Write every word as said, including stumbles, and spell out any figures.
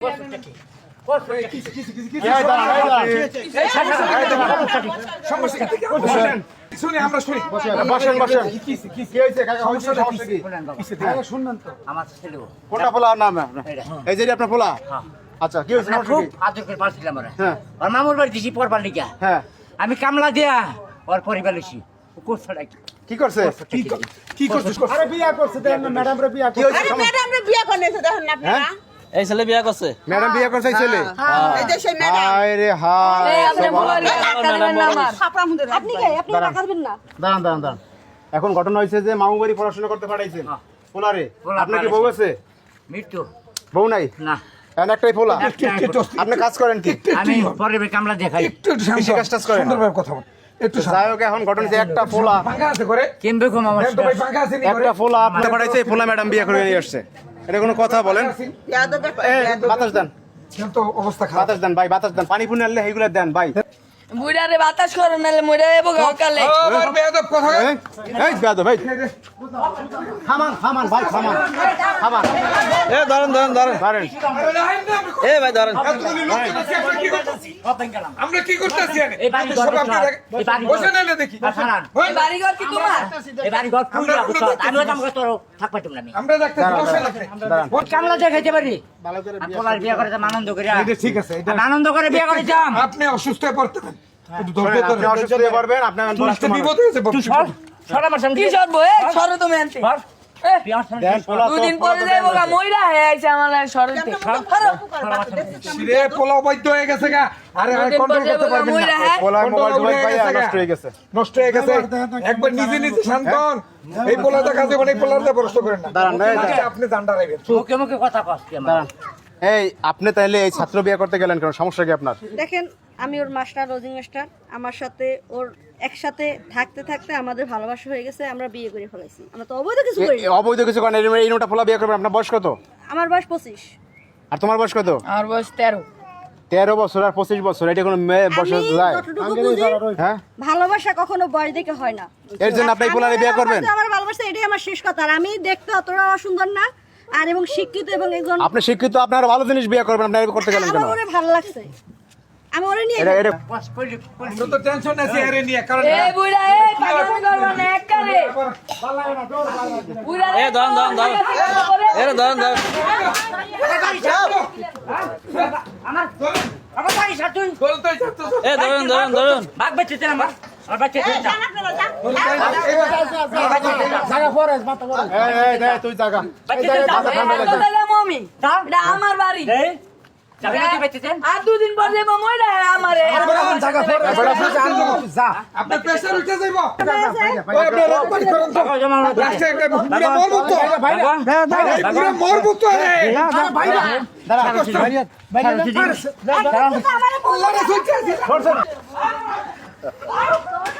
মামুর বাড়ি দিছি পরবার লিগা আমি কামলা দিয়া ওর পরিবার লিছি কি করছে কি করছে আরে বিয়া করছে ম্যাডাম রে বিয়া করছে আরে ম্যাডাম রে বিয়া করনেছে দেখেন না আপনারা এই ছেলে বিয়া করছে ম্যাডাম বিয়া করছে এই ছেলে এই যে সেই ম্যাডাম আরে হায় এই আপনি বলার ছাপড়া মুদে আপনি কে আপনি না করবেন না দাঁড়ান দাঁড়ান দাঁড়ান এখন ঘটনা হইছে যে মামু বাড়ি পড়াশোনা করতে পাঠাইছেন পোলারে আপনি কি বউ আছে মৃত্যু বউ নাই না এন একটাই পোলা আপনি কাজ করেন কি আমি পরে কামলা দেখাই একটু বেশি কাজ টাজ করেন সুন্দরভাবে কথা বল একটু যাইও এখন ঘটনা যে একটা পোলা ফাঁকা আছে করে কেমবে কম আমার ভাই ফাঁকা আছে নি একটা পোলা আপনি পাঠাইছে পোলা ম্যাডাম বিয়া করে নিয়ে আসছে এটা কোনো কথা বলেন বাতাস দেন তো অবস্থা খারাপ বাতাস দেন ভাই বাতাস দেন পানি পুনি আনলে এইগুলা দেন ভাই মুড়ারে বাতাস করো নালে মুড়া এবো গাকালে ও বেয়াদব কথা এই বেয়াদব ভাই থামান থামান ভাই থামান থামান এ ধরেন ধরেন ধরেন ধরেন এ ভাই ধরেন আমরা কি করতেছি এই বাড়ি ঘর এই বাড়ি বসে নালে দেখি এই বাড়ি ঘর কি তোমার এই বাড়ি ঘর পুরো আমিও কাম করতে থাক পাইতাম না আমরা দেখতেছি বসে নালে দাঁড়ান কামলা দেখাইতে পারি ভালো করে বিয়া বিয়া করে আনন্দ করে এটা ঠিক আছে এটা আনন্দ করে বিয়া করে যাম আপনি অসুস্থ হয়ে পড়তেন একটু ধৈর্য ধরে অসুস্থ হয়ে পড়বেন আপনি বলতে বিপদ হয়েছে তুই সর সর আমার সামনে কি সরবো এ সরো তুমি আনতে দুদিন পরে যাইবো গা মইরা হে আইছে আমার সরতে সিরে পোলা বৈদ্য হয়ে গেছে গা আরে আরে কন্ট্রোল করতে পারবেন না পোলা মোবাইল মোবাইল ভাই নষ্ট হয়ে গেছে নষ্ট হয়ে গেছে একবার নিজে নিজে শান্ত হন এই পোলাটা কাজে মানে পোলাটা প্রশ্ন করেন না দাঁড়ান আপনি জানডা রাখবেন মুখে মুখে কথা কস কি দাঁড়ান এই আপনি তাইলে এই ছাত্র বিয়ে করতে গেলেন কেন সমস্যা কি আপনার দেখেন আমি ওর মাস্টার রোজিং মাস্টার আমার সাথে ওর একসাথে থাকতে থাকতে আমাদের ভালোবাসা হয়ে গেছে আমরা বিয়ে করে ফেলাইছি আমরা তো অবৈধ কিছু করি অবৈধ কিছু করেন এই নোটা পোলা বিয়ে করবেন আপনার বয়স কত আমার বয়স পঁচিশ আর তোমার বয়স কত আমার বয়স তেরো তেরো বছর আর পঁচিশ বছর এটা কোনো বয়স যায় হ্যাঁ ভালোবাসা কখনো বয়স দেখে হয় না এর জন্য আপনি পোলারে বিয়ে করবেন আমার ভালোবাসা এটাই আমার শেষ কথা আর আমি দেখতে অতটা সুন্দর না আর এবং শিক্ষিত এবং একজন আপনি শিক্ষিত আপনার ভালো জিনিস বিয়ে করবেন আপনি করতে গেলেন কেন আমার ভালো লাগছে আমি ওরে নিয়ে এটা এটা আমরা তো টেনশন আছে আরে নিয়ে কারণ এই বুইড়া এই পাগল করবা না একবারে বুইড়া এ দন দন দন এ দন দন আমার আমার বাড়ি সাতুন বলতে যাচ্ছে এ ধরুন ধরুন ধরুন ভাগ বেচতে আমার আর বাচ্চা তুই যা জায়গা ফরেস মাথা ফরেস এই এই তুই জায়গা বাচ্চা মমি এটা আমার বাড়ি জায়গা কি বেচতেছেন আর দুদিন পর যাবো মইরা হে আমারে জায়গা ফরেস বড় ফুল আনলো যা আপনি প্রেসার উঠে যাইবো আপনি রকমারি করেন তো লাস্টে একটা পুরো মরবো তো ভাই পুরো মরবো তো রে ভাই দাঁড়া ভাইয়া ভাইয়া দাঁড়া আল্লাহ রে সত্যি আছে